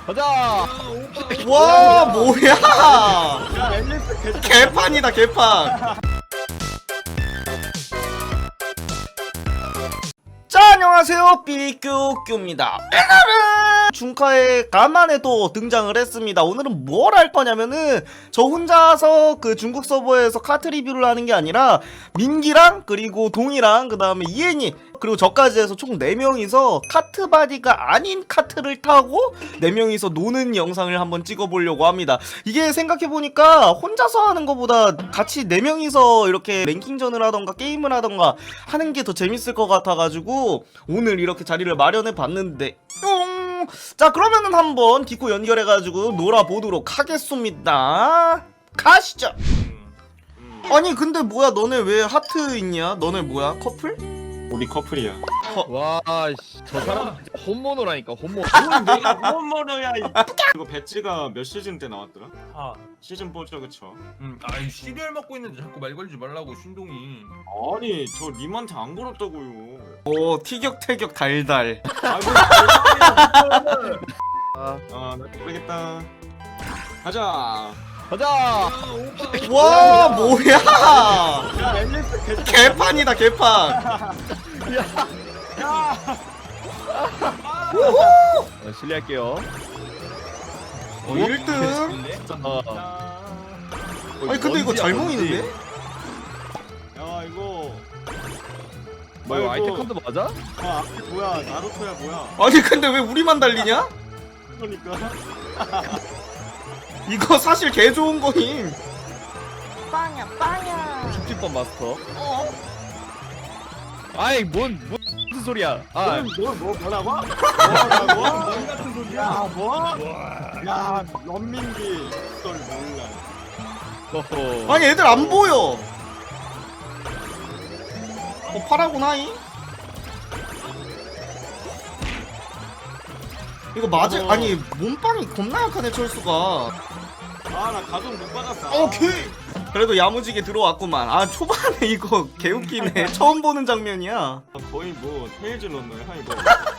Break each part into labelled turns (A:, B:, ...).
A: 가자.
B: 와 뭐야?
C: 야 앨리스 개좋.
B: 개판이다 개판. 자 안녕하세요 삐규규입니다. 오늘은 중카에 간만에 또 등장을 했습니다. 오늘은 뭘 할 거냐면은 저 혼자서 그 중국 서버에서 카트 리뷰를 하는 게 아니라 민기랑 그리고 동이랑 그 다음에 이엔이 그리고 저까지 해서 총 4명이서 카트바디가 아닌 카트를 타고 4명이서 노는 영상을 한번 찍어보려고 합니다. 이게 생각해보니까 혼자서 하는 것보다 같이 4명이서 이렇게 랭킹전을 하던가 게임을 하던가 하는 게 더 재밌을 것 같아가지고 오늘 이렇게 자리를 마련해봤는데 자 그러면은 한번 디코 연결해가지고 놀아보도록 하겠습니다. 가시죠. 아니 근데 뭐야 너네 왜 하트 있냐? 너네 뭐야 커플?
C: 우리 커플이야.
A: 와, 씨, 저 사람 진짜 홈모노라니까 홈모노.
C: 내가 홈모노야. 이거 배지가 몇 시즌 때 나왔더라?
D: 아,
C: 시즌 4죠 그쵸?
D: 아니 시리얼 먹고 있는데 자꾸 말 걸지 말라고 신동이.
C: 아니 저 님한테 안 걸었다고요.
B: 오 티격태격 달달.
C: 아이고 아나 모르겠다. 가자.
A: 가자.
B: 와 뭐야?
C: 야 앨리스 개좋.
B: 개판이다 개판.
C: 야.
A: 실례할게요.
B: 1등. 아니 근데 이거 잘 모이는데?
C: 야 이거.
A: 뭐 이거
C: 아이고.
A: 아이템 칸도 맞아?
C: 아 앞이 뭐야? 나루토야 뭐야?
B: 아니 근데 왜 우리만 달리냐?
C: 그러니까.
B: 이거 사실 개 좋은 거임.
E: 빵야 빵야.
A: 죽집번 마스터. 아이 뭔 무슨 소리야? 아,
C: 뭐 뭐라고? 뭐라고?
D: 넌 같은 소리야.
C: 야 뭐? 야 런민기 그걸 몰라.
A: 허허.
B: 아니 애들 안 보여. 파라구나이? 이거 맞아? 아니 몸빵이 겁나 약하네 철수가.
C: 아나 가속 못 받았어.
B: 오케이. 그래도 야무지게 들어왔구만. 아 초반에 이거 개웃기네. 처음 보는 장면이야.
C: 거의 뭐 테이즈 런너야 이거.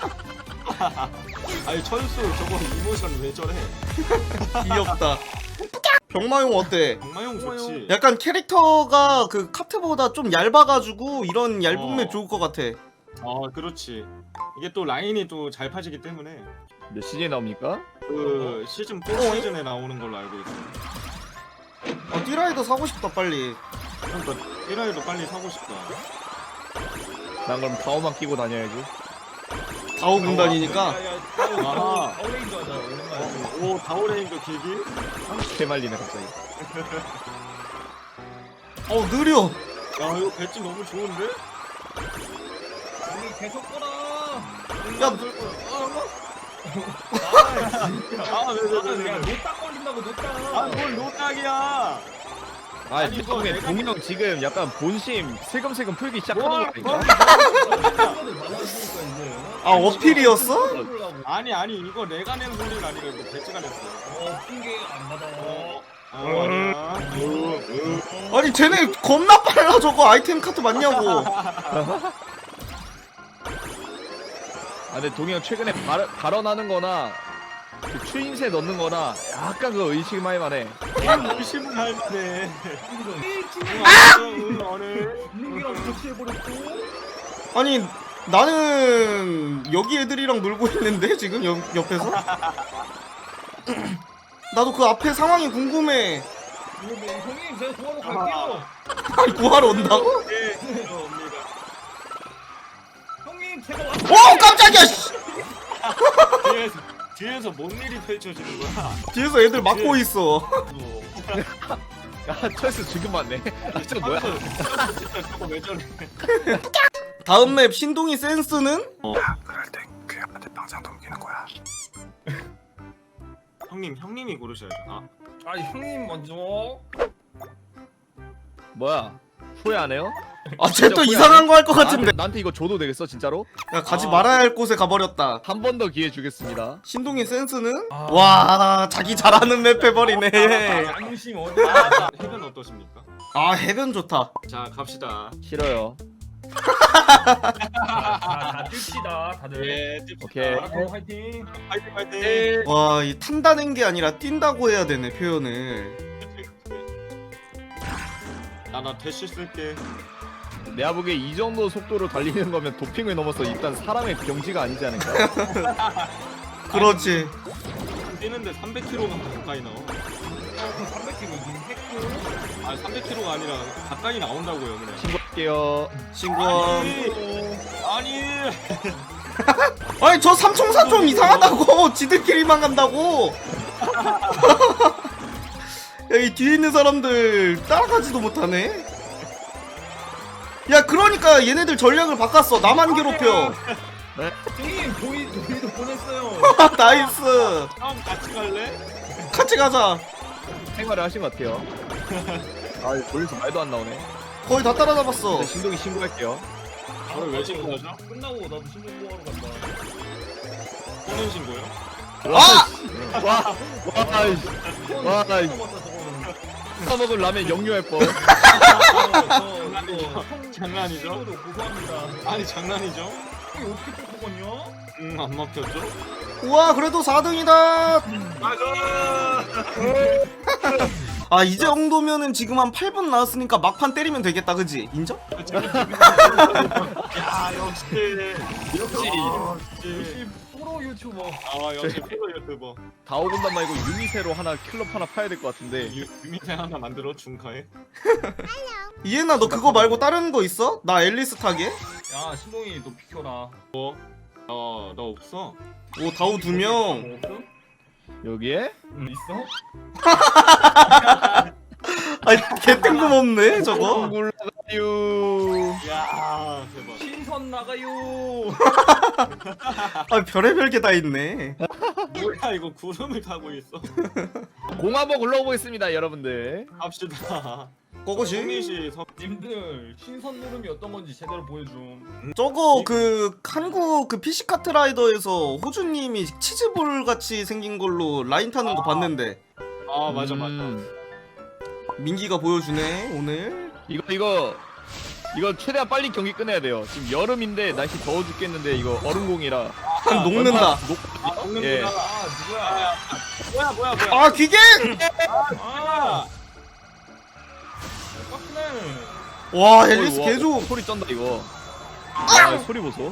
C: 아니 천수 저거 이모션 왜 저래?
B: 귀엽다. 병마용 어때?
C: 정마용 좋지.
B: 약간 캐릭터가 그 카트보다 좀 얇아가지고 이런 얇은 맵 좋을 것 같아.
C: 그렇지. 이게 또 라인이 또 잘 파지기 때문에
A: 몇 시즌에 나옵니까?
C: 그 시즌 4 시즌에 나오는 걸로 알고 있어.
B: 띠라이더 사고 싶다 빨리.
C: 그러니까 1화에도 빨리 사고 싶다.
A: 난 그럼 타워만 끼고 다녀야지.
B: 다오 군단이니까.
C: 아,
D: 어레인저 하자. 오랜만에.
C: 오 다오레인저 길기?
A: 개말리네 갑자기.
B: 느려.
C: 야 이거 배지 너무 좋은데?
D: 우리 계속 꺼라.
B: 야,
C: 아왜왜왜
D: 노딱 걸린다고 노딱.
C: 아뭘 노딱이야?
A: 아,
C: 아니, 이거
A: 덕분에
C: 내가-
A: 동이 형 지금 약간 본심 슬금슬금 풀기 시작하는
C: 뭐?
A: 거니까.
B: 아 어필이었어?
C: 아니 이거 내가 낸 소리가 아니라 이거 배지가 냈어.
D: 핑계 안 받아.
C: 아니야.
B: 아니 쟤네 겁나 빨라 저거 아이템 카트 맞냐고.
A: 아, 근데 동이 형 최근에 발언하는 거나 그 추임새 넣는 거나 약간 그 의식만 해만해.
C: 의심을 할 만해. 오늘
D: 민기랑 같이 해버렸고.
B: 아니 나는 여기 애들이랑 놀고 있는데 지금 옆에서. 나도 그 앞에 상황이 궁금해.
D: 형님 제가 도와러 갈게요.
B: 아니 구하러 온다고?
C: 네 옵니다.
D: 형님 제가 왔어.
B: 오 깜짝이야. 씨.
C: 뒤에서 뭔 일이 펼쳐지는 거야?
B: 뒤에서 애들 막고 있어.
A: 아, 철수 지금 맞네. 아, 저 뭐야?
C: 진짜 저거 왜 저래?
B: 다음 맵 신동이 센스는?
F: 그럴 땐 그형한테 방상 넘기는 거야.
C: 형님이 고르셔야죠.
D: 아 형님 먼저.
A: 뭐야? 후회 안 해요?
B: 아 쟤 또 이상한 거 할 것 같은데.
A: 나한테 이거 줘도 되겠어 진짜로?
B: 야 가지 말아야 할 곳에 가버렸다.
A: 한 번 더 기회 주겠습니다.
B: 신동이 센스는?
D: 아.
B: 와 자기 잘하는 맵 해버리네.
D: 양심 어디?
C: 해변 어떠십니까?
B: 아 해변 좋다.
C: 자 갑시다.
A: 싫어요.
D: 다 뜁시다 다들.
C: 예,
A: 오케이.
D: 마라톤 화이팅.
C: 파이팅 파이팅.
A: 네.
B: 와, 이 탄다는 게 아니라 뛴다고 해야 되네 표현을.
C: 나 대시 쓸게.
A: 내가 보기에 이 정도 속도로 달리는 거면 도핑을 넘어서 일단 사람의 병지가 아니지 않을까?
B: 그렇지.
C: 뛰는데 300km가 가까이 나와.
D: 300kg 지금 했고.
C: 아 300km가 아니라 가까이 나온다고요 그냥.
A: 신고할게요.
B: 신고함.
C: 아니.
B: 아니 저 삼총사 좀 이상하다고. 지들끼리만 간다고. 야, 이 뒤에 있는 사람들 따라가지도 못하네. 야, 그러니까 얘네들 전략을 바꿨어. 나만 괴롭혀.
D: 형님 도희도 보냈어요.
B: 나이스.
C: 다음 같이 갈래?
B: 같이 가자.
A: 생활을 하신 것 같아요. 아, 조회수 말도 안 나오네.
B: 거의 다 따라잡았어.
A: 근데 신동이 신고할게요.
C: 저를 왜 신고하죠?
D: 끝나고 나도 신고하러 간다.
C: 혼인 신고요?
B: 아!
A: 와, 아이씨. 와, 아이씨.
D: 끝나봤다 저거는.
A: 먹은 라면 역류할 뻔.
C: 장난이죠?
D: 친구도 고소합니다.
C: 아니 장난이죠?
D: 형이 어떻게 또 먹었냐?
C: 안 먹혔죠?
B: 우와, 그래도 4등이다. 아, 이 정도면은 지금 한 8분 나왔으니까 막판 때리면 되겠다, 그지? 인정?
C: 야 역시
D: 역시 프로 유튜버.
C: 아 역시 프로 유튜버.
A: 다오군단 말고 유니세로 하나 클럽 하나 파야 될 것 같은데.
C: 유미태 하나 만들어 중카에.
B: 이해나, 너 그거 말고 다른 거 있어? 나 앨리스 타게?
D: 야 신동이 너 비켜라.
C: 나 없어.
B: 오, 다우 2명.
D: 뭐 없음?
A: 여기에?
D: 응 있어?
B: 아니, 개 뜬금없네, 저거.
A: 굴라가유.
C: 야 대박.
D: 신선 나가요.
B: 아, 별의별 게 다 있네.
C: 뭐야 이거 구름을 타고 있어.
A: 공 한번 굴러보겠습니다, 여러분들.
C: 합시다.
B: 거거지?
C: 성민씨
D: 님들 신선 누름이 어떤 건지 제대로 보여줌.
B: 저거 그 한국 그 PC 카트라이더에서 호주님이 치즈볼 같이 생긴 걸로 라인 타는 거 봤는데
C: 아 맞아 맞아.
B: 민기가 보여주네 오늘.
A: 이거 최대한 빨리 경기 끝내야 돼요. 지금 여름인데 날씨 더워 죽겠는데 이거 얼음공이라.
B: 한 녹는다.
C: 아 먹는구나.
A: 예.
D: 아 누구야?
C: 뭐야.
B: 아, 기계!
D: 아 빡네.
B: 와, 앨리스 개조.
A: 소리 쩐다 이거. 와, 소리 보소.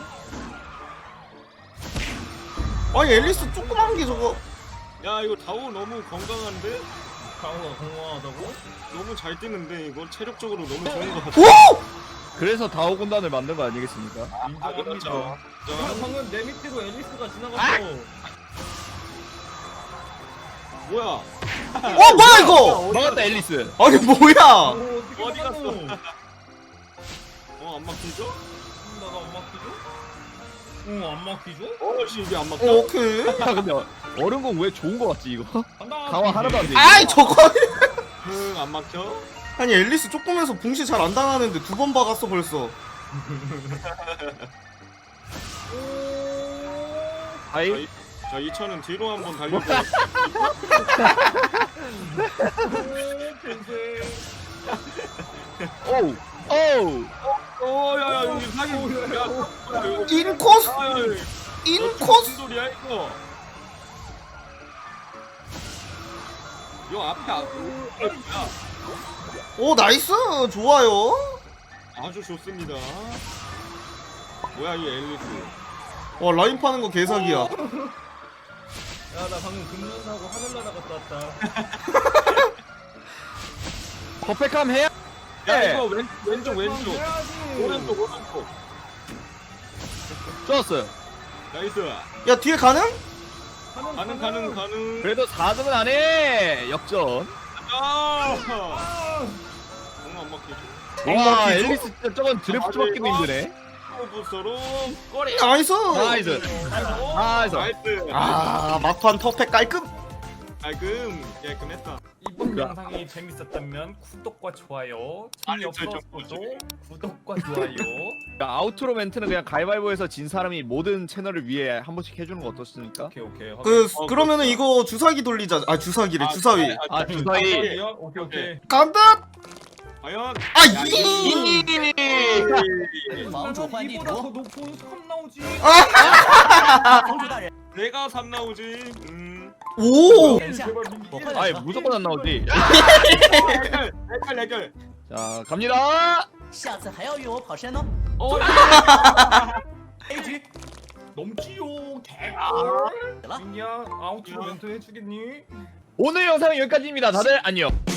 B: 아니, 앨리스 조그만 게 저거.
C: 야 이거 다우 너무 건강한데?
D: 강호가 건강하다고?
C: 너무 잘 뛰는데 이거 체력적으로 너무 좋은 것 같아.
B: 오!
A: 그래서 다오군단을 만든 거 아니겠습니까?
D: 인정합니다.
C: 그렇죠.
D: 방금 내 밑으로 앨리스가 지나갔어.
C: 뭐야?
B: 뭐야 이거?
A: 막았다 앨리스.
B: 아니, 뭐야?
D: 어디
C: 어디
D: 갔어?
C: 갔어? 안 막히죠?
D: 나도 안 막히죠? 안 막히죠?
C: 어씨 이게 안 막혀?
B: 오케이.
A: 야 근데 얼음공 왜 좋은 거 같지 이거?
D: 간다.
A: 강화 하나도 안 돼.
B: 아이, 저거.
C: 안 막혀?
B: 아니, 앨리스 조그면서 붕시 잘 안 당하는데 2번 박았어 벌써.
A: 아이
C: 자 2천은 뒤로 한번 달려줘.
A: 오우 오우.
C: 오야야 여기 사기. 야
B: 인코스?
C: 무슨
B: 인코스?
C: 소리야 이거? 요 앞에 야
B: 오, 나이스. 좋아요.
C: 아주 좋습니다. 뭐야 이 앨리스?
B: 와, 라인 파는 거 개사기야.
D: 야 나 방금 금년 사고 하늘나라 갔다 왔다.
A: 퍼펙함 해야.
C: 야 이거 왼쪽
D: 해야지.
C: 오른쪽.
A: 좋았어요.
C: 나이스.
B: 야, 뒤에 가능?
C: 가능.
A: 그래도 4등은 안 해. 역전.
C: 아! 너무 안 막히죠?
A: 와
B: 막히죠?
A: 앨리스 진짜 저건 드래프트 받기도 힘드네.
C: 부스로 꼬리.
B: 나이스.
A: 나이스. 나이스.
C: 나이스.
B: 아, 막판 퍼펙 깔끔.
C: 깔끔했다.
D: 이번 영상이 재밌었다면 구독과 좋아요. 재미없어도 구독과 좋아요.
A: 그러니까 아우트로 멘트는 그냥 가위바위보에서 진 사람이 모든 채널을 위해 한 번씩 해주는 거 어떻습니까?
D: 오케이.
B: 그러면은 이거 주사기 돌리자. 아, 주사기래. 주사위.
A: 아 주사위.
D: 오케이.
B: 간다.
C: 과연
D: 房主换地图 놓고 3 나오지
C: 내가 3 나오지.
B: 오!
C: 제발 민기.
A: 아이 무조건 안 나오지.
C: 해결.
A: 자 갑니다.
D: 下次还要约我跑山哦
C: 어,
D: A局
C: 넘지요. 개꿀. 민기야, 아웃ro 멘트 해주겠니?
A: 오늘 영상은 여기까지입니다. 다들 안녕.